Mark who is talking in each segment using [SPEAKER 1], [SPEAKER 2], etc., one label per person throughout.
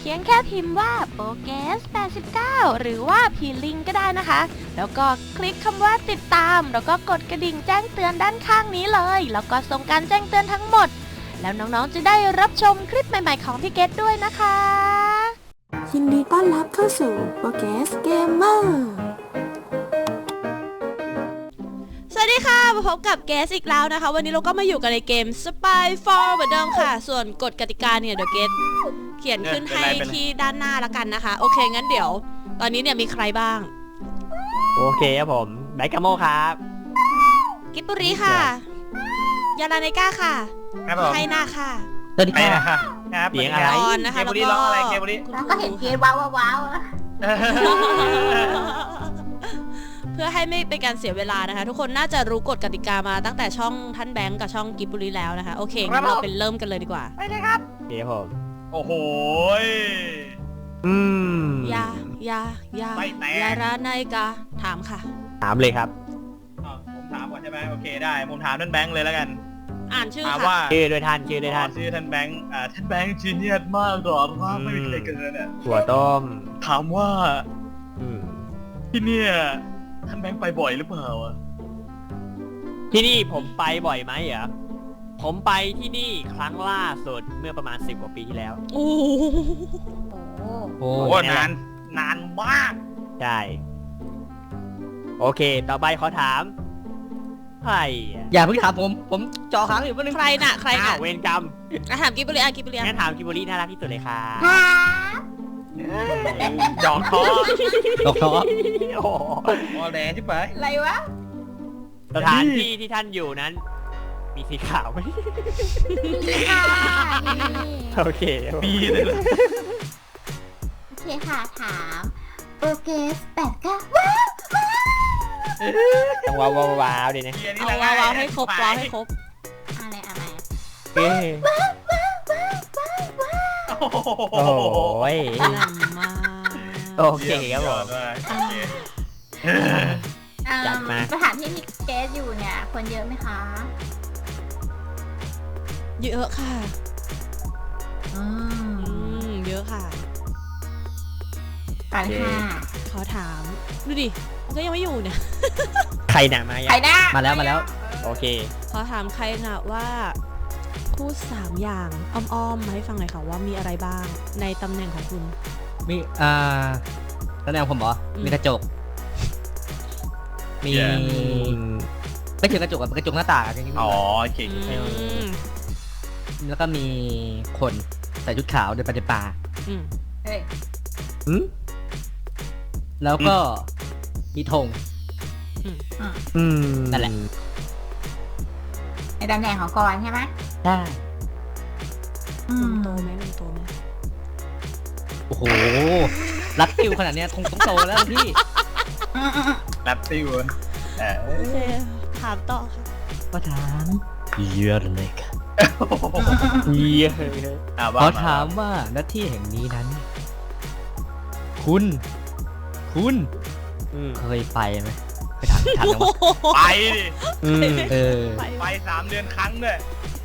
[SPEAKER 1] พียงแค่พิมพ์ว่าโปเกส89หรือว่าพีลิงก็ได้นะคะแล้วก็คลิกคำว่าติดตามแล้วก็กดกระดิ่งแจ้งเตือนด้านข้างนี้เลยแล้วก็ส่งการแจ้งเตือนทั้งหมดแล้วน้องๆจะได้รับชมคลิปใหม่ๆของพี่เกดด้วยนะคะ
[SPEAKER 2] ยินดีต้อนรับเข้าสู่โปเกสเกมเมอร์
[SPEAKER 1] สวัสดีค่ะมาพบกับเกสอีกแล้วนะคะวันนี้เราก็มาอยู่กันในเกม Spy 4 เหมือนเดิมค่ะส่วนกฎกติกาเนี่ยเดี๋ยวเกสเขียนขึ้นให้ที่ด้านหน้าละกันนะคะโอเคงั้นเดี๋ยวตอนนี้เนี่ยมีใครบ้าง
[SPEAKER 3] โอเคครับผมไบกาโมครับ
[SPEAKER 1] กิปปุริค่ะยาลาเนก้าค่ะไทนาค่ะ
[SPEAKER 3] สวัสดีค่ะ
[SPEAKER 1] ครับ
[SPEAKER 3] เสียงอะไร
[SPEAKER 1] นะคะแล้วก็
[SPEAKER 4] ก็เห็นเกมว้าวว้าว
[SPEAKER 1] เพื่อให้ไม่เป็นการเสียเวลานะคะทุกคนน่าจะรู้กฎกติกามาตั้งแต่ช่องท่านแบงก์กับช่องกิบบุรีแล้วนะคะโอเคงั้นเราเป็นเริ่มกันเลยดีกว่า
[SPEAKER 4] ไปเลยครับ
[SPEAKER 3] เดี๋ยวผม
[SPEAKER 5] โอ้โห
[SPEAKER 1] ยาราไนกาถามค่ะ
[SPEAKER 3] ถามเลยครับ
[SPEAKER 5] ผมถามก่อนใช่ไหมโอเคได้ผมถามท่านแบงค์เลยแล้วกัน
[SPEAKER 1] อ่านชื่อ
[SPEAKER 3] ค่ะชื่อโดยท่านชื่อ
[SPEAKER 5] ท่านแบงค์ท่านแบงค์จีเนียสมากหรอว่าไม่มีใครเกินเนี่ย
[SPEAKER 3] หัวต้ม
[SPEAKER 5] ถามว่าที่เนี่ยท่านแบงค์ไปบ่อยหรือเปล่า
[SPEAKER 3] ที่นี่ผมไปบ่อยไหมเหรอผมไปที่นี่ครั้งล่าสุดเมื่อประมาณ10 กว่าปีที่แล้ว
[SPEAKER 1] โอ้
[SPEAKER 5] โหนานมาก
[SPEAKER 3] ใช่โอเคต่อไปขอถามใคร
[SPEAKER 6] อย่าเพิ่งถามผมจอค้างอยู่ว่านึง
[SPEAKER 1] ใครน่ะ
[SPEAKER 3] เวรกรรม
[SPEAKER 1] ถามกิบบุรี
[SPEAKER 3] งั้นถามกิบบุรีน่ารักที่สุดเลยค่ะ
[SPEAKER 5] หยอกท้อ
[SPEAKER 6] โอ้
[SPEAKER 5] โหแดงใช่ไหม
[SPEAKER 4] อะไรวะ
[SPEAKER 3] สถานที่ที่ท่านอยู่นั้นมีสีขาวไหมโอเค
[SPEAKER 5] มีเลย
[SPEAKER 4] โอเคค่ะถามโปเกส89
[SPEAKER 3] ต้องว้าวดิเนี่ย
[SPEAKER 1] เอาว้าวให้ครบอะไร
[SPEAKER 3] โอ้ยโอเคครับผม
[SPEAKER 4] จัดมาสถานที่ที่เกสอยู่เนี่ยคนเยอะไหมคะ
[SPEAKER 1] เยอะค่ะเยอะค่ะ
[SPEAKER 4] ไปค่ะ
[SPEAKER 1] ขอถามดูดิมันก็ยังไม่อยู่เนี่ย
[SPEAKER 3] ใครหนามาแล้วโอเค
[SPEAKER 1] ขอถามใครนะว่าพูด3อย่างอ้อมๆมาให้ฟังหน่อยค่ะว่ามีอะไรบ้างในตำแหน่งของคุณ
[SPEAKER 6] มีตำแหน่งผมเหรอมีกระจกมีไม่ถึงกระจกเป็นกระจกหน้าต่างอย่างนี้
[SPEAKER 5] อ๋อโอเค
[SPEAKER 6] แล้วก็มีคนใส่ชุดขาวเดินไปในป่าแล้วก็มีธงนั่นแหละ
[SPEAKER 4] ในตำแหน่งของกรใช่ไหม
[SPEAKER 6] ใช่
[SPEAKER 1] โตไหม
[SPEAKER 6] โอ้โหรัดติวขนาดนี้คงต้องโตแล้วพี่
[SPEAKER 5] รัดติว
[SPEAKER 1] โอเคถามต่อค่ะ
[SPEAKER 6] ก็ถามเยอะเลยค่ะขอถามว่าหน้าที่แห่งนี้นั้นคุณเคยไปไหมไปถาม
[SPEAKER 5] ไปดิ
[SPEAKER 6] ไป
[SPEAKER 5] 3 เดือนครั้งด้วย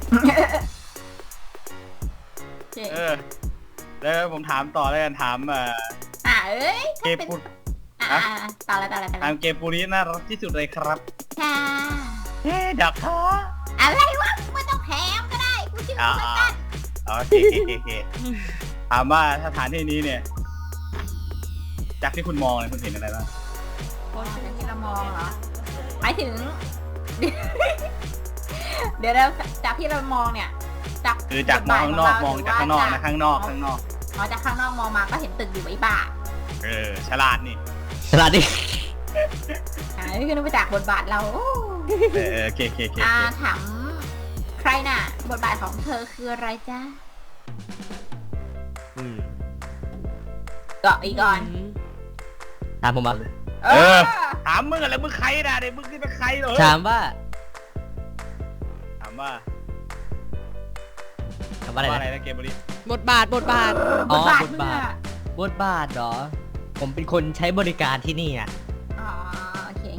[SPEAKER 5] แล้วผมถามต่อแล้วกันถามเกปู
[SPEAKER 4] ต่อเลย
[SPEAKER 5] ถามเกปูนี้น่ารักที่สุดเลยครับ
[SPEAKER 4] ค่ะ
[SPEAKER 5] ดอกท้อ
[SPEAKER 4] อะไรวะไม่ต้องแถมก็ได้กูชื่อเหมือนกัน
[SPEAKER 5] โอเคถามว่าสถานที่นี้เนี่ยจากที่คุณมองเนี่ยคุณเห็นอะไรบ้าง
[SPEAKER 4] จากที่เรามองเหรอหมายถึงเดี๋ยวเราจากที่เรามองเนี่ย
[SPEAKER 5] คือจากมองข้างนอกมองจากข้างนอกนะข้างนอก
[SPEAKER 4] อ๋อจากข้างนอกมองมาก็เห็นตึกอยู่ไอ้บ้า
[SPEAKER 5] ฉลาดนี่
[SPEAKER 6] นี่
[SPEAKER 4] คือนึกไปจากบทบาทเรา
[SPEAKER 5] โอเค
[SPEAKER 4] ถามใครน่ะบทบาทของเธอคืออะไรจ๊ะเกาะอีกก่อน
[SPEAKER 6] ถามผมมา
[SPEAKER 5] ถามมึงอะไรมึงใครนะเด็กมึงเป็นใครเหรอ
[SPEAKER 6] ถามว่า
[SPEAKER 5] อะไรนะเกมบริ
[SPEAKER 1] บทบาท
[SPEAKER 6] อ๋อบทบาทเหรอผมเป็นคนใช้บริการที่นี่อ่ะ
[SPEAKER 4] โอเค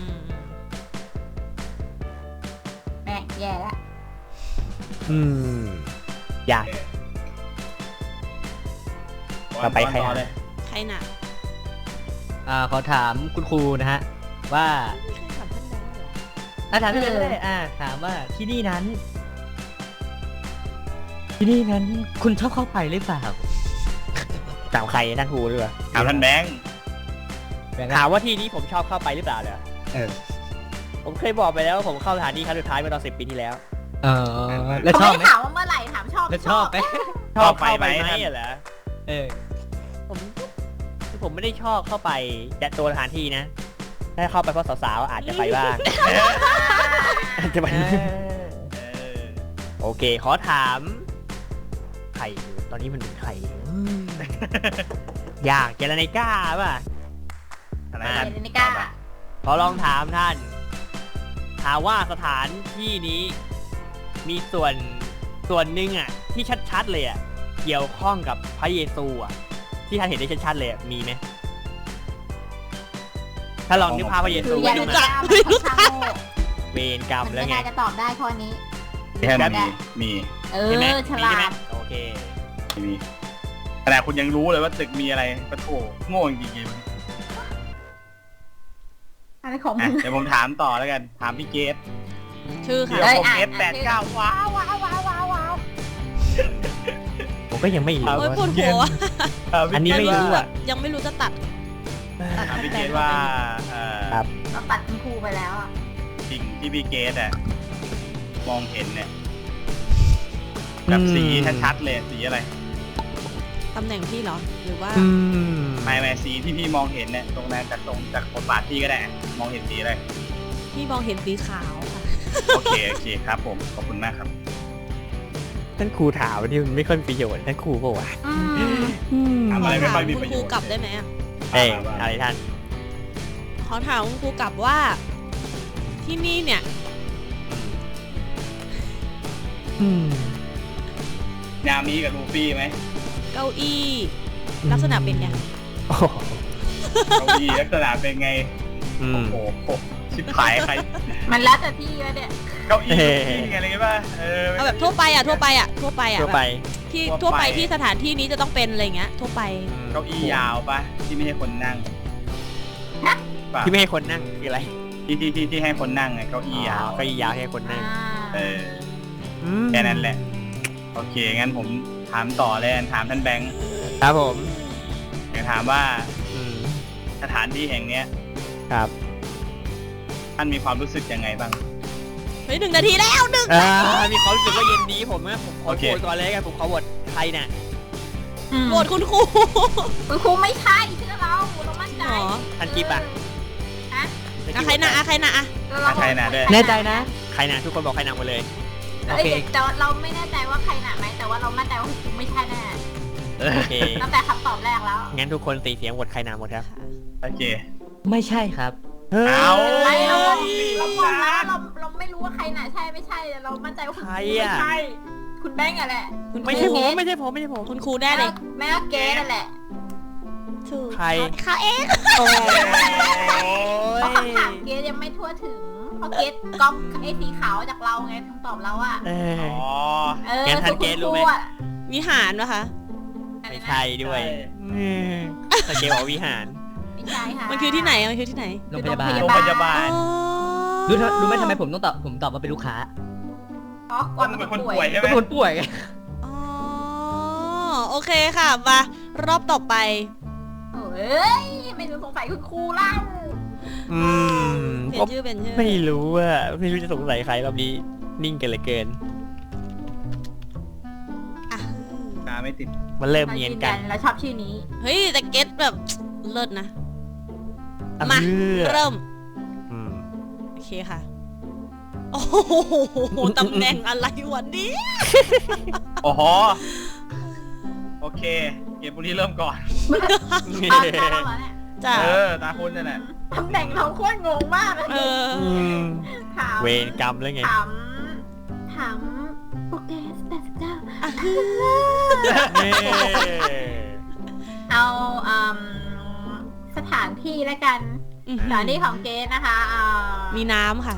[SPEAKER 4] แม่แย่ละ
[SPEAKER 3] ยากต่อไปใคร
[SPEAKER 5] ต่อ
[SPEAKER 3] อ่ะ
[SPEAKER 5] เลย
[SPEAKER 1] ใครน่ะ
[SPEAKER 6] ขอถามคุณครูนะฮะ ว่า
[SPEAKER 1] ใครถามท่านแบงค์เหรอ
[SPEAKER 6] ถามพี่เลยถามว่าที่นี่นั้น คุณชอบเข้าไปหรือเปล่า
[SPEAKER 3] ถามใครท่านครูหรือเปล่า
[SPEAKER 5] ถามท่านแบงค์
[SPEAKER 3] ถามว่าที่นี้ผมชอบเข้าไปหรือเปล่าเหรอ
[SPEAKER 6] เออ
[SPEAKER 3] ผมเคยบอกไปแล้วว่าผมเข้าสถานที่ครั้งสุดท้ายเมื่อตอน10 ปีที่แล้ว
[SPEAKER 6] แล้ว
[SPEAKER 4] เขา
[SPEAKER 6] ชอบ
[SPEAKER 4] ไม่
[SPEAKER 6] ไหม
[SPEAKER 4] ได้ถามว่าเมื่อไหร่ถามชอบ
[SPEAKER 6] แล้วชอบไหม
[SPEAKER 3] ชอบเข้าไปไหมเหรอ
[SPEAKER 6] เออ
[SPEAKER 3] ผมไม่ได้ชอบเข้าไปแต่ตัวสถานที่นะ ถ้าเข้าไปเพราะสาวๆอาจจะไปบ้าง อาจจะไป
[SPEAKER 5] เออ
[SPEAKER 3] โอเค ขอถามใครตอนนี้มันเป็นใครอยากเจรไนก้าป่ะ
[SPEAKER 5] อะไร
[SPEAKER 3] อ่า
[SPEAKER 5] ท่าน
[SPEAKER 4] เดนิก้า
[SPEAKER 3] ขอลองถามท่าน ถามว่าสถานที่นี้มีส่วนหนึ่งอ่ะ ที่ชัดๆเลยอ่ะ เกี่ยวข้องกับพระเยซูอ่ะ ที่ท่านเห็นได้ชัดๆเลยอะมีไหมถ้าลองนึกภาพพระเยซู
[SPEAKER 4] คืออย่า
[SPEAKER 3] ดู
[SPEAKER 4] รู้
[SPEAKER 3] นะ
[SPEAKER 4] จักไม่รู้จัก
[SPEAKER 3] เวรกรรม
[SPEAKER 4] มัน
[SPEAKER 3] แล้ว
[SPEAKER 4] ไม่
[SPEAKER 3] ไง
[SPEAKER 4] น่าจะตอบได้ข้อนี้
[SPEAKER 5] ที่ท่านมี
[SPEAKER 4] เอ
[SPEAKER 3] ใช่ไหม
[SPEAKER 4] อฉ
[SPEAKER 3] มี
[SPEAKER 4] ลา
[SPEAKER 3] ใช่ไหม
[SPEAKER 4] ด
[SPEAKER 3] โอเค
[SPEAKER 5] มีขนาดคุณยังรู้เลยว่าตึกมีอะไรปะโถโง่จริงๆ
[SPEAKER 4] อะไรของ
[SPEAKER 5] อ่ะ
[SPEAKER 4] มึง
[SPEAKER 5] เดี๋ยวผมถามต่อแล้วกัน ถามพี่เกต
[SPEAKER 1] ชื่อ
[SPEAKER 5] เดี๋
[SPEAKER 1] ค่ะ
[SPEAKER 5] ยวผม
[SPEAKER 4] อ่ะ
[SPEAKER 5] เกต
[SPEAKER 4] อ่ะ
[SPEAKER 5] 89ว้าว
[SPEAKER 3] ผมก็ยังไม่รู้
[SPEAKER 1] โอ้ยปวดหัว
[SPEAKER 3] อันนี้ไม่รู้อ่ะ
[SPEAKER 1] ยังไม่รู้จะตัด
[SPEAKER 5] ถามพี่เกตว่า
[SPEAKER 3] ครับ
[SPEAKER 4] เราตัดคุณครูไปแล้วอ่ะ
[SPEAKER 5] สิ่งที่พี่เกตอะมองเห็นเนี่ยแบบสีชัดๆเลยสีอะไร
[SPEAKER 1] ตำแหน่งพี่เหรอ หรือว่า
[SPEAKER 5] ไม่สีที่พี่มองเห็นเนี่ยตรงนั้นจากบทบาทพี่ก็ได้มองเห็นสีอะไร
[SPEAKER 1] พี่มองเห็นสีขาวค่ะ
[SPEAKER 5] โอเคครับผมขอบคุณมากครับ
[SPEAKER 3] ท่านครูถามที่มันไม่ค่อยมีประโยชน์ท่านครูก็ว่า
[SPEAKER 5] ถามอะไรไม่ค่อยมี
[SPEAKER 1] คุ
[SPEAKER 5] ประ
[SPEAKER 1] ณ
[SPEAKER 5] โย
[SPEAKER 1] ครู
[SPEAKER 5] ชน์
[SPEAKER 1] กลับได้ไหมอะ
[SPEAKER 3] เอ้ยอะไรท่าน
[SPEAKER 1] ขอถามคุณครูกลับว่า ที่นี่เนี่ย
[SPEAKER 5] นามีกับลูฟี่ไหม
[SPEAKER 1] เก้าอี้ลักษณะเป็นไง
[SPEAKER 3] โอ้โห
[SPEAKER 5] เก้าอี้ลักษณะเป็นไง
[SPEAKER 3] อืม
[SPEAKER 5] โอ้โหชิบหายใคร
[SPEAKER 4] มันแล้วแต่ที่แล้วเนี่ย
[SPEAKER 5] เก้าอี้ลูฟี่อะไรป่ะ
[SPEAKER 1] เอาแบบทั่วไปอะทั่วไปอะทั่วไปอะ
[SPEAKER 3] ทั่วไป
[SPEAKER 1] แบบที่
[SPEAKER 5] ทั่
[SPEAKER 1] ทั่
[SPEAKER 5] ว
[SPEAKER 1] ว
[SPEAKER 5] ไป
[SPEAKER 1] ไปที่สถานที่นี้จะต้องเป็นอะไรเงี้ย ทั่วไป
[SPEAKER 5] เก้าอี้ยาวป่ะที่ไม่ให้คนนั่งป่ะ
[SPEAKER 3] ที่ไม่ให้คนนั่งคืออะไร
[SPEAKER 5] ที่ให้คนนั่งไงเก้าอี้ยาว
[SPEAKER 3] ก็ยาวให้คนนั่ง
[SPEAKER 5] เออแค่นั้นแหละ โอเคงั้นผมถามต่อเลยถามท่านแบงค์
[SPEAKER 3] ครับผม
[SPEAKER 5] อยากถามว่า
[SPEAKER 3] อืม
[SPEAKER 5] สถานที่แห่งเนี้ย
[SPEAKER 3] ครับ
[SPEAKER 5] ท่านมีความรู้สึกยังไงบ้าง
[SPEAKER 1] เฮ้ย1 นาทีแล้วหนึ่ง
[SPEAKER 3] มีความรู้สึกว่าเย็นดีผมนะผมขอ
[SPEAKER 5] โอเค
[SPEAKER 3] โหวตก่อนเลยกันผมขอโหวตใครน่ะ
[SPEAKER 1] โหวตคุณครู
[SPEAKER 4] คุณครูไม่ใช่เชื่อเรามั่นใจ
[SPEAKER 1] หรอ
[SPEAKER 3] ท่านกิ๊บอ่ะ
[SPEAKER 4] ฮะ
[SPEAKER 1] อะใครนะอะใครนะอะ
[SPEAKER 5] ใครนะด้วย
[SPEAKER 6] แน่ใจนะ
[SPEAKER 3] ใครน่ะทุกคนบอกใครน่ะหมดเลย
[SPEAKER 4] เอ้ยแต่เราไม่แน่ใจว่าใครหนาไหมแต่ว่าเรามั่นใจว่าคุณครูไม่ใช่แน่
[SPEAKER 3] โอเค
[SPEAKER 4] ตั้งแต่คำตอบแรกแล้ว
[SPEAKER 3] งั้นทุกคนตีเสียงโหวตใครน่ะหมดครับ
[SPEAKER 5] โอเค
[SPEAKER 6] ไม่ใช่ครับ
[SPEAKER 5] เอา
[SPEAKER 4] ไม่เราบอกแล้วเราไม่รู้ว่าใครหนาใช่ไม่ใช่แต่เรามั่นใจว่าคุณครูไม่ใช่คุณแบงค์อะแหละ
[SPEAKER 3] ไม่ใช่ผมไม่ใช่ผมไม่ใช่ผม
[SPEAKER 1] คุณครูแน่เลย
[SPEAKER 4] แม่ก็เกสนั่นแหละ
[SPEAKER 1] ถูก
[SPEAKER 3] ใคร
[SPEAKER 1] เขาเอง
[SPEAKER 3] โอ้
[SPEAKER 4] เพราะคำถามเกสยังไม่ทั่วถึงเพราะเกสก๊อปไอ้สีขาวจากเราไงคำตอบเราอะ
[SPEAKER 3] เออ
[SPEAKER 5] อ๋อ
[SPEAKER 3] งั้นท่านเกสรู้ไหม
[SPEAKER 1] วิหารนะคะ
[SPEAKER 3] ไม่ใช่ด้วยสเกลบอกวิหาร
[SPEAKER 4] ไม่ใช่ค่ะ
[SPEAKER 1] มันคือที่ไหนมันคือที่ไหน
[SPEAKER 6] โรงพยาบาล
[SPEAKER 5] โรงพยาบาล
[SPEAKER 6] รู้ไหมทำไมผมต้องตอบว่าเป็นลูกค้า
[SPEAKER 4] อ๋อก่อนเป็นคนป่วย
[SPEAKER 5] ใช่ไหม
[SPEAKER 6] เป็นคนป่วยไง
[SPEAKER 1] อ๋อโอเคค่ะมารอบต่อไป
[SPEAKER 4] เอ้ยไม่รู้สงสัยคุณครูเล่า
[SPEAKER 1] เปลี่ย
[SPEAKER 3] ก็
[SPEAKER 1] นชื่อเป็นชื่อ
[SPEAKER 3] ไม่รู้ว่าไม่รู้จะสงสัยใครรอบนี้นิ่งกันเหลือเกิน
[SPEAKER 1] อ่ะ
[SPEAKER 5] ตาไม่ติด
[SPEAKER 3] มันเริ่มเนียนกัน
[SPEAKER 4] เราชอบชื่อนี้
[SPEAKER 1] เฮ้ยแต่เก็ตแบบเลิศนะ
[SPEAKER 3] อ่ะ
[SPEAKER 1] มา
[SPEAKER 3] เพื่อ
[SPEAKER 1] เริ่ม
[SPEAKER 3] อืม
[SPEAKER 1] โอเคค่ะ โอ้โหตำแหน่งอะไรวันนี้
[SPEAKER 5] โอ้โหโอเค เกมบุรีเริ่มก่อน
[SPEAKER 4] ตามเราเหรอเนี่ย
[SPEAKER 1] จ้ะ
[SPEAKER 5] ตาคุณนั่นแหละ
[SPEAKER 4] ตำแหน่งเราโคตรงงมากเลย
[SPEAKER 1] เออ
[SPEAKER 4] ถาม
[SPEAKER 3] เวรกรรมแล้วไง
[SPEAKER 4] ถามโปรแกรม89
[SPEAKER 1] อ่ะ
[SPEAKER 4] เอาสถานที่แล้วกัน สถานที่ของเกสนะคะ
[SPEAKER 1] มีน้ำค่ะ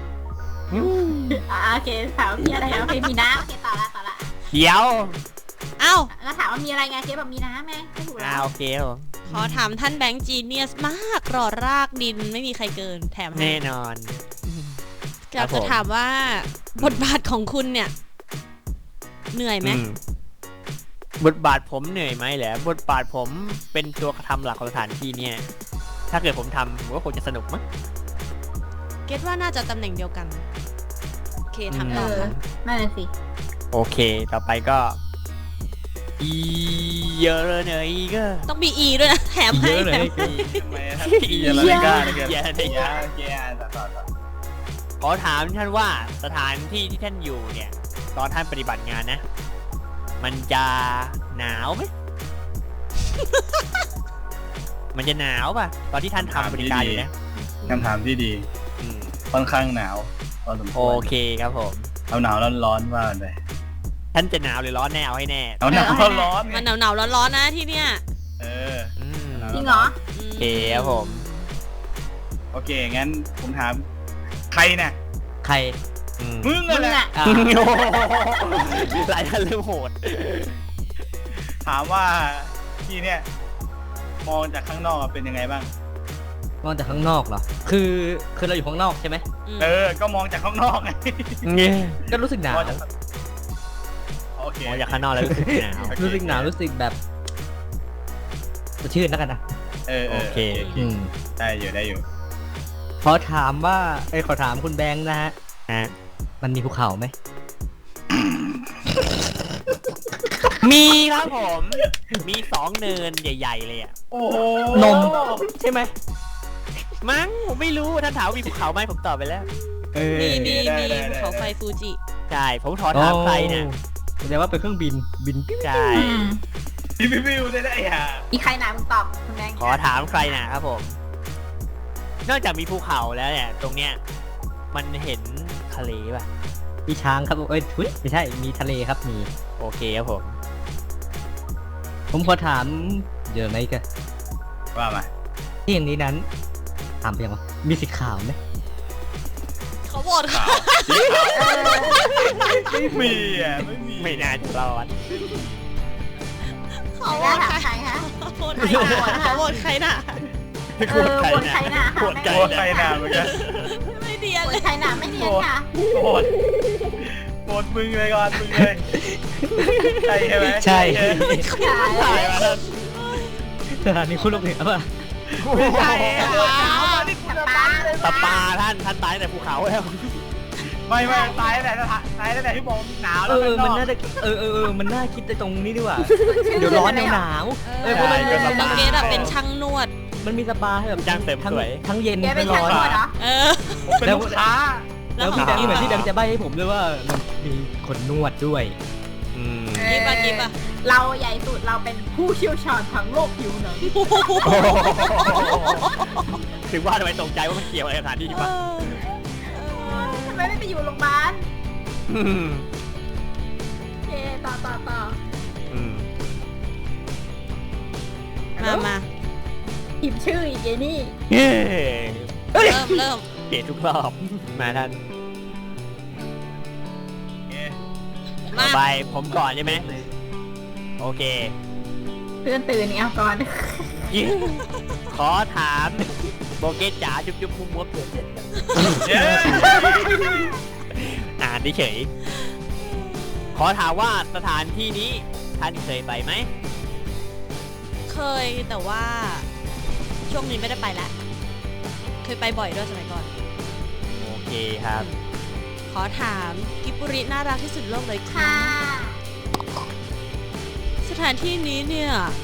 [SPEAKER 4] โอเคถามพี่อะไรโอเคมีน้ำโอเคต่อละ
[SPEAKER 3] เดี๋ยว
[SPEAKER 7] อ้าว
[SPEAKER 4] แล้วถามว่ามีอะไรไงเจ๊แบบมีน้ำไงไม่ถูกแล้ว
[SPEAKER 3] โอเคครับผม
[SPEAKER 7] ขอถามท่านแบงค์จีเนียสมากรอรากดินไม่มีใครเกินแถมให้
[SPEAKER 3] แน่นอน
[SPEAKER 7] อยากจะถามว่าบทบาทของคุณเนี่ย เหนื่อยไหม
[SPEAKER 3] บทบาทผมเหนื่อยไหมเหรอบทบาทผมเป็นตัวทำหลักของสถานที่เนี่ย ถ้าเกิดผมทำผมก็คงจะสนุกมั้ง
[SPEAKER 7] เก็ตว่าน่าจะตำแหน่งเดียวกันโอเคทำต่อค่ะ
[SPEAKER 4] นั่นแหละสิ
[SPEAKER 3] โอเค ต่อไปก็อีเยอะเลยเนยก็
[SPEAKER 7] ต้องมีอีด้วยนะแถมให้
[SPEAKER 6] เยอะเลย
[SPEAKER 7] แถมให้
[SPEAKER 5] ทำไมถ้าอีอะไรไม่กล้าเลยเกิน
[SPEAKER 3] เยอะเลย
[SPEAKER 5] เยอะเยอะต่อ
[SPEAKER 3] ขอถามท่านว่าสถานที่ที่ท่านอยู่เนี่ย ตอนท่านปฏิบัติงานนะ มันจะหนาวไหม มันจะหนาวป่ะ ตอนที่ท่านทำบริการอยู่นะ
[SPEAKER 5] คำถามที่ดี
[SPEAKER 3] อืม
[SPEAKER 5] ค่อนข้างหนาวพอสมค
[SPEAKER 3] โอ
[SPEAKER 5] วร
[SPEAKER 3] เคครับผม
[SPEAKER 5] เอาหนาวร้อนว่ากันไป
[SPEAKER 3] ท่านจะหนาวหรือร้อนแน่เอาให้แน่
[SPEAKER 5] เอาหนาวร้อน
[SPEAKER 7] มันหนาวๆร้อนๆนะที่เนี่ย
[SPEAKER 5] เออ
[SPEAKER 3] อืม
[SPEAKER 4] จริงเหรอ
[SPEAKER 7] อืม
[SPEAKER 3] โอเคครับผม
[SPEAKER 5] โอเคงั้นผมถามใครน่ะ
[SPEAKER 6] ใคร
[SPEAKER 3] อืม
[SPEAKER 5] มึง
[SPEAKER 4] มึ
[SPEAKER 5] อะ
[SPEAKER 4] ง
[SPEAKER 5] แหละ
[SPEAKER 4] อะ
[SPEAKER 6] อ่ะ
[SPEAKER 3] โอ้โหหลายท่านเริ่มโหด
[SPEAKER 5] ถามว่าที่เนี่ยมองจากข้างนอกเป็นยังไงบ้าง
[SPEAKER 6] มองจากข้างนอกเหรอ คือเราอยู่ข้างนอกใช่ไหม
[SPEAKER 5] เออ ก็มองจากข้างนอกไง
[SPEAKER 6] ก็รู้สึกหนาว
[SPEAKER 5] มองจากโอเค
[SPEAKER 3] มองจากข้างนอกแล้วรู้สึกหนาว
[SPEAKER 6] รู้สึกหนาวรู้สึกแบบสดชื่นแล้วกันนะ
[SPEAKER 5] เออ
[SPEAKER 3] โอเค
[SPEAKER 6] อืม
[SPEAKER 5] ได้อยู่
[SPEAKER 6] ขอถามว่าขอถามคุณแบงค์นะฮะ
[SPEAKER 3] ฮะ
[SPEAKER 6] มันมีภูเขาไหม
[SPEAKER 3] มีครับผม มี2 เนินใหญ่ ๆ เลยอ่ะ
[SPEAKER 5] โอ้โห
[SPEAKER 6] นม ใช่ไหม
[SPEAKER 3] มั้งผมไม่รู้ท่านถามว่ามีภูเขาไหมผมตอบไปแล้ว
[SPEAKER 7] มีภูเขาไฟฟูจิ
[SPEAKER 3] ใช่ ผมขอถามใครเนี่ย
[SPEAKER 6] แสดงว่าเป็นเครื่องบินปิ้ว
[SPEAKER 3] ใช่
[SPEAKER 5] วิวได้อ่ะ
[SPEAKER 4] อีใครหนามึงตอบคุณแบงค์
[SPEAKER 3] ขอถามใครนะครับผม นอกจากมีภูเขาแล้วเนี่ย ตรงเนี้ยมันเห็นทะเลป่ะ
[SPEAKER 6] มีช้างครับทุยไม่ใช่มีทะเลครับมี
[SPEAKER 3] โอเคครับผม
[SPEAKER 6] ผมขอถามเดี๋ยวไหมกัน
[SPEAKER 5] ว่ามา
[SPEAKER 6] ที่อย่างนี้นั้นถามไปยังวะมีสีขาวไหม
[SPEAKER 7] เขาบอกค่ะ
[SPEAKER 5] ไม่มีอ่ะไม่มี
[SPEAKER 3] ไม่น่าจะรอด
[SPEAKER 7] เขาบ
[SPEAKER 4] แล้
[SPEAKER 7] อ
[SPEAKER 4] ว
[SPEAKER 7] ก
[SPEAKER 4] ถาม
[SPEAKER 7] ใคร
[SPEAKER 4] ใครคะ
[SPEAKER 7] เขาบอกใครน่ะ
[SPEAKER 4] เออคนใครหนา
[SPEAKER 3] โหด
[SPEAKER 5] โคตรใครหนาเหมือนกัน
[SPEAKER 7] ไม่เดียน
[SPEAKER 4] คน
[SPEAKER 7] เลย
[SPEAKER 4] ใครหนาไม่เนียนค่ะ
[SPEAKER 5] โหดมึงเลยก่อนมึงเลยใช่ใช่ไหม
[SPEAKER 6] ใช่
[SPEAKER 5] ใช่มาแล้ว
[SPEAKER 6] สถานีคุณลูกเหนือป่ะ
[SPEAKER 5] ไม่ใช่
[SPEAKER 3] ตะปาท่านตายแต่ภูเขาแล้ว
[SPEAKER 5] ไม่ตายแต่ที่บอกหนาวแล้ว
[SPEAKER 6] มันน่าจะมันน่าคิดในตรงนี้ดีกว่า เดี๋ยวร้อนเดี๋ยวหนาวเพราะมัน
[SPEAKER 7] น้องเกดอะเป็นช่างนวด
[SPEAKER 6] มันมีสปาให้แบบ
[SPEAKER 3] จ้างเสริมสวย
[SPEAKER 6] ทั้งเย็น
[SPEAKER 4] แกเป็น
[SPEAKER 6] ทั้ง
[SPEAKER 4] ช่าง
[SPEAKER 6] ร้อน
[SPEAKER 4] นวดเหรอ
[SPEAKER 7] เออ
[SPEAKER 5] เป็นลูกค้า
[SPEAKER 6] แล้วพี่แบงค์เหมือนที่แบงค์จะใบ้ให้ผมด้วยว่ามันมีคนนวดด้วย
[SPEAKER 3] อืม
[SPEAKER 7] กิฟอะ
[SPEAKER 4] เราใหญ่สุดเราเป็นผู้เชี่ยวชาญทางโลกผิวหนัง
[SPEAKER 3] ถึงว่าทำไมตกใจว่ามันเกี่ยวอะไรกับสถานที่ป่ะ
[SPEAKER 4] ทำไมไม่ไปอยู่โรงพยาบาล
[SPEAKER 3] อืม
[SPEAKER 4] โอเคต่อ
[SPEAKER 3] อืม
[SPEAKER 7] มา
[SPEAKER 4] พิมพ์ชื่ออีกไอ้นี่
[SPEAKER 3] เย้
[SPEAKER 7] เริ่ม
[SPEAKER 3] เปลี่ยนทุกรอบมาท่าน
[SPEAKER 7] มา
[SPEAKER 3] ต่อไปผมก่อนใช่ไหมโอเค
[SPEAKER 4] เพื่อนตื่นนี่เอาก่อน
[SPEAKER 3] ขอถามโบเกตจ๋าจุ๊บมุมมัวเปลี่ยน
[SPEAKER 5] เย้
[SPEAKER 3] อ่านเฉยขอถามว่าสถานที่นี้ท่านเคยไปไหม
[SPEAKER 7] เคยแต่ว่าช่วงนี้ไม่ได้ไปแล้ว เคยไปบ่อยด้วยสมัยก่อน
[SPEAKER 3] โอเคครับ
[SPEAKER 7] ขอถามกิบบุริน่ารักที่สุดโลกเลยค่ะ
[SPEAKER 4] ค่ะ
[SPEAKER 7] สถานที่นี้เนี่ย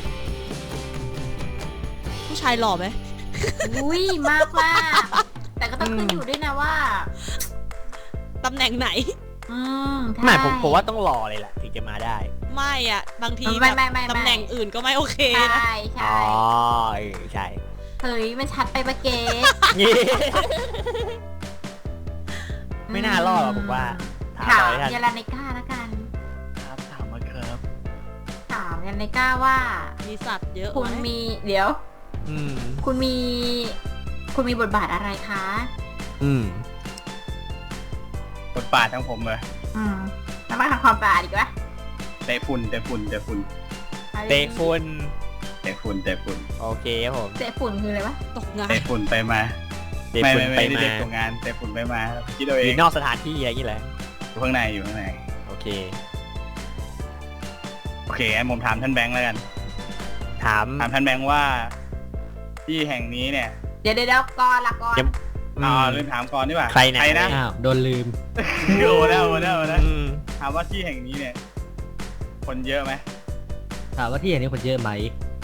[SPEAKER 7] ผู้ชายหล่อไหม
[SPEAKER 4] อุ้ยมากแต่ก็ต้องขึ้นอยู่ด้วยนะว่า
[SPEAKER 7] ตำแหน่งไหน
[SPEAKER 4] ใช่
[SPEAKER 3] ไม่ผมว่าต้องรอเลยแหละถึงจะมาได้
[SPEAKER 7] ไม่อะบางที
[SPEAKER 4] ไม่
[SPEAKER 7] แบบ
[SPEAKER 4] ไม่
[SPEAKER 7] ตำแหน่งอื่นก็ไม่โอเค
[SPEAKER 4] ใช่
[SPEAKER 7] นะ
[SPEAKER 4] ใช่
[SPEAKER 3] อ๋อใช่
[SPEAKER 4] เฮ้ยมันชัดไปปะเกส
[SPEAKER 3] ไม่น่ารอดหรอกผมว่า ถาม
[SPEAKER 4] ถาม
[SPEAKER 3] เลยท่าน
[SPEAKER 4] ยาลาเนก้าแล้วกัน
[SPEAKER 5] ครับถามมาครับ
[SPEAKER 4] ถามยาลาเนก้าว่า
[SPEAKER 7] มีสัตว์เยอะ
[SPEAKER 4] คุณ
[SPEAKER 7] ไหม
[SPEAKER 4] มีเดี๋ยว
[SPEAKER 3] อืม
[SPEAKER 4] คุณมีบทบาทอะไรคะ
[SPEAKER 3] อืม
[SPEAKER 5] บทบาททั้งผมเลย
[SPEAKER 4] แล้วมาทำความสะอาดอีกวะ
[SPEAKER 5] เตะฝุ่น
[SPEAKER 3] เตะฝุ่นโอเคครับผม
[SPEAKER 4] เตะฝุ่นคืออะไรวะ
[SPEAKER 7] ตกงาน
[SPEAKER 5] เตะฝุ่นไปมา
[SPEAKER 3] เตะ
[SPEAKER 5] ไม่
[SPEAKER 3] ฝุ่นไป
[SPEAKER 5] ได้
[SPEAKER 3] มา
[SPEAKER 5] เด็กตรงงานเตะฝุ่นไปมาคิดเอา
[SPEAKER 3] อ
[SPEAKER 5] เอง
[SPEAKER 3] ยู่นอกสถานที่อะไรอย่างงี้แหละ
[SPEAKER 5] อยู่ข้างในอยู่ข้างใน
[SPEAKER 3] โอเค
[SPEAKER 5] โอเคงั้นผมถามท่านแบงค์แล้วกัน
[SPEAKER 3] ถาม
[SPEAKER 5] ถามท่านแบงค์ว่า ที่แห่งนี้เนี่ย
[SPEAKER 4] เดี๋ยวก่อนละก่อน
[SPEAKER 3] ยัง
[SPEAKER 5] ลืมถามก่อนดีกว่า
[SPEAKER 3] ใครนะ
[SPEAKER 5] นะ
[SPEAKER 6] อ้าวโดนลืม
[SPEAKER 5] โอ้แล้วนะ
[SPEAKER 3] อืม
[SPEAKER 5] ถามว่าที่แห่งนี้เนี่ย คนเยอะไหม
[SPEAKER 6] ถามว่าที่อย่างนี้คนเยอะไหม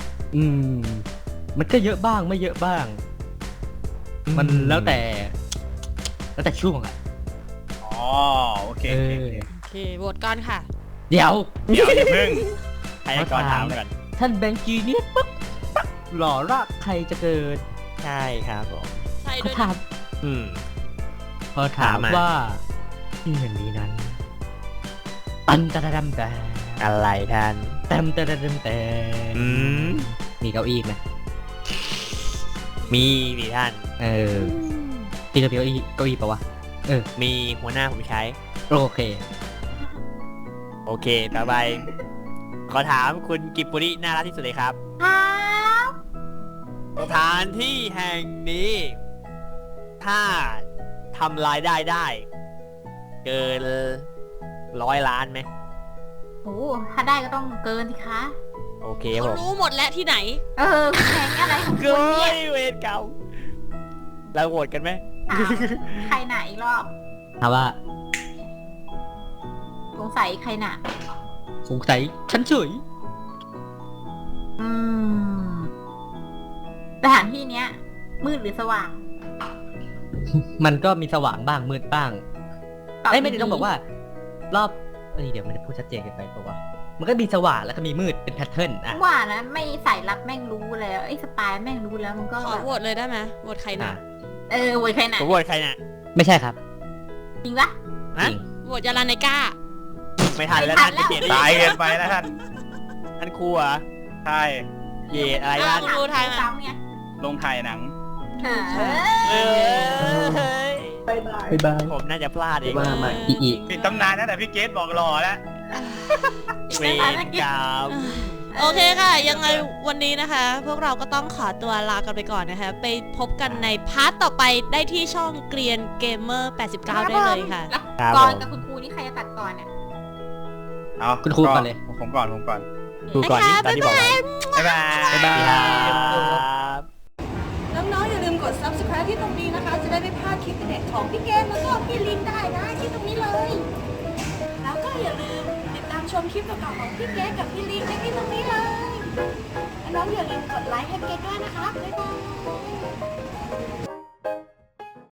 [SPEAKER 6] มันก็เยอะบ้างไม่เยอะบ้าง มันแล้วแต่ช่วงอ่ะ
[SPEAKER 5] อ๋อโอเค
[SPEAKER 6] เอ
[SPEAKER 5] โอเค
[SPEAKER 6] อ
[SPEAKER 7] โอเคโหวตก่อนค่ะ
[SPEAKER 6] เดี๋ยว
[SPEAKER 5] เดี๋ยวอย่าเพิ่ง
[SPEAKER 3] ให้ก่อนถามก่อน
[SPEAKER 6] ท่านแบงค์จีเนี่ยปุ๊บหล่อรากใครจะเกิด
[SPEAKER 3] ใช่ครับผม
[SPEAKER 7] ใช่
[SPEAKER 6] เขา
[SPEAKER 7] ด้วย
[SPEAKER 6] ถาม
[SPEAKER 3] อืม
[SPEAKER 6] พอถาม
[SPEAKER 3] ถามมา
[SPEAKER 6] ว่าที่แห่งนี้นั้นตันตะดำแต่
[SPEAKER 3] อะไรท่าน
[SPEAKER 6] แต้มแต่
[SPEAKER 3] อืม
[SPEAKER 6] มีเก้าอี้ไหม
[SPEAKER 3] มีท่าน
[SPEAKER 6] ที่เก้าอี้ปะวะ
[SPEAKER 3] มีหัวหน้าผมใช้
[SPEAKER 6] โอเค
[SPEAKER 3] โอเค ต่อไป ขอถามคุณกิบปุริน่ารักที่สุดเลยครับ
[SPEAKER 4] ครับ
[SPEAKER 3] สถานที่แห่งนี้ ถ้าทำรายได้ เกิน100 ล้านไหม
[SPEAKER 4] โอ้ถ้าได้ก็ต้องเกินสิคะ
[SPEAKER 3] โอเคผ
[SPEAKER 7] เขา
[SPEAKER 3] ม
[SPEAKER 7] รู้หมดแล้วที่ไหน
[SPEAKER 4] แข่งอะไรของคุ
[SPEAKER 3] เกิ
[SPEAKER 4] ณเนี่ย
[SPEAKER 3] นเวรเก่าเราโหวตกันไหม
[SPEAKER 4] ถามใครหนาอีกรอบ
[SPEAKER 6] ถามว่า
[SPEAKER 4] สงสัยใครหนา
[SPEAKER 6] สงสัยฉันเฉย
[SPEAKER 4] สถานที่เนี้ย มืดหรือสว่าง
[SPEAKER 6] มันก็มีสว่างบ้างมืดบ้าง
[SPEAKER 4] ตบ
[SPEAKER 6] ไม่ได้ต้องบอกว่า รอบเดี๋ยวมันจะพูดชัดเจนเกินไปปะวะมันก็มีสว่างแล้วก็มีมืดเป็นแพทเทิร์นอ่ะ
[SPEAKER 4] ว่านะไม่ใส่รับแม่งรู้แล้วไอ้สปายแม่งรู้แล้วมันก็
[SPEAKER 7] ขอ
[SPEAKER 4] แบบ
[SPEAKER 7] โหวตเลยได้ไหมโหวตใครนะ
[SPEAKER 4] โวยใครหนา
[SPEAKER 3] ผมโหวตใครน่ะ
[SPEAKER 6] ไม่ใช่ครับ
[SPEAKER 4] จริงปะ
[SPEAKER 3] ฮะ
[SPEAKER 6] จริง
[SPEAKER 7] โหวตยาลาไนก้า
[SPEAKER 3] ไม่ทันแล้ว
[SPEAKER 4] ไม่ทั
[SPEAKER 3] ท่าน น
[SPEAKER 4] แล้ว
[SPEAKER 3] จะเปลี่ยน
[SPEAKER 5] ตายเกินไปแล้วท่าน
[SPEAKER 3] ท่านครูเหรอ
[SPEAKER 5] ใช่
[SPEAKER 3] เยดอะไร
[SPEAKER 7] อ้า
[SPEAKER 3] ท่า
[SPEAKER 7] วน รู้ทายมา
[SPEAKER 4] ซ้ำไง
[SPEAKER 5] ลงถ่ายหนัง
[SPEAKER 3] เอ้ย
[SPEAKER 6] บ๊ายบาย
[SPEAKER 3] ผมน่าจะพลาดเอง
[SPEAKER 6] มา อี
[SPEAKER 5] ปิดตำนานนะแต่พี่เกตบอกรอแล้ว
[SPEAKER 3] เวรกรรม
[SPEAKER 7] โอเคค่ะ ยังไงวันนี้นะคะ พวกเราก็ต้องขอตัวลากันไปก่อนนะคะ ไปพบกันในพาร์ทต่อไปได้ที่ช่องเกรียนเกมเมอร์89 ได้เลยค่ะ
[SPEAKER 4] แล้ว
[SPEAKER 3] ครับ
[SPEAKER 4] ก่อน
[SPEAKER 3] ผม
[SPEAKER 4] กับคุณครูนี่ใครจะตัดก่อนเนี่ย
[SPEAKER 5] เอา
[SPEAKER 6] คุณครูก่อนเลย
[SPEAKER 5] ผมก่อน
[SPEAKER 3] ครูก่อนที่ตอนที่บอกไว้
[SPEAKER 5] บ๊ายบาย
[SPEAKER 6] บ๊ายบาย
[SPEAKER 3] ครับ
[SPEAKER 2] น้องๆอย่าลืมกด subscribe ที่ตรงนี้นะคะ จะได้ไม่พลาดคลิปเด็ดของพี่เกมแล้วก็พี่ลินได้นะที่ตรงนี้เลย แล้วก็อย่าลืมติดตามชมคลิปเก่าๆของพี่เกมกับพี่ลินได้ที่ตรงนี้เลยและน้องอย่าลืมกดไลค์ให้เกมด้วยนะคะ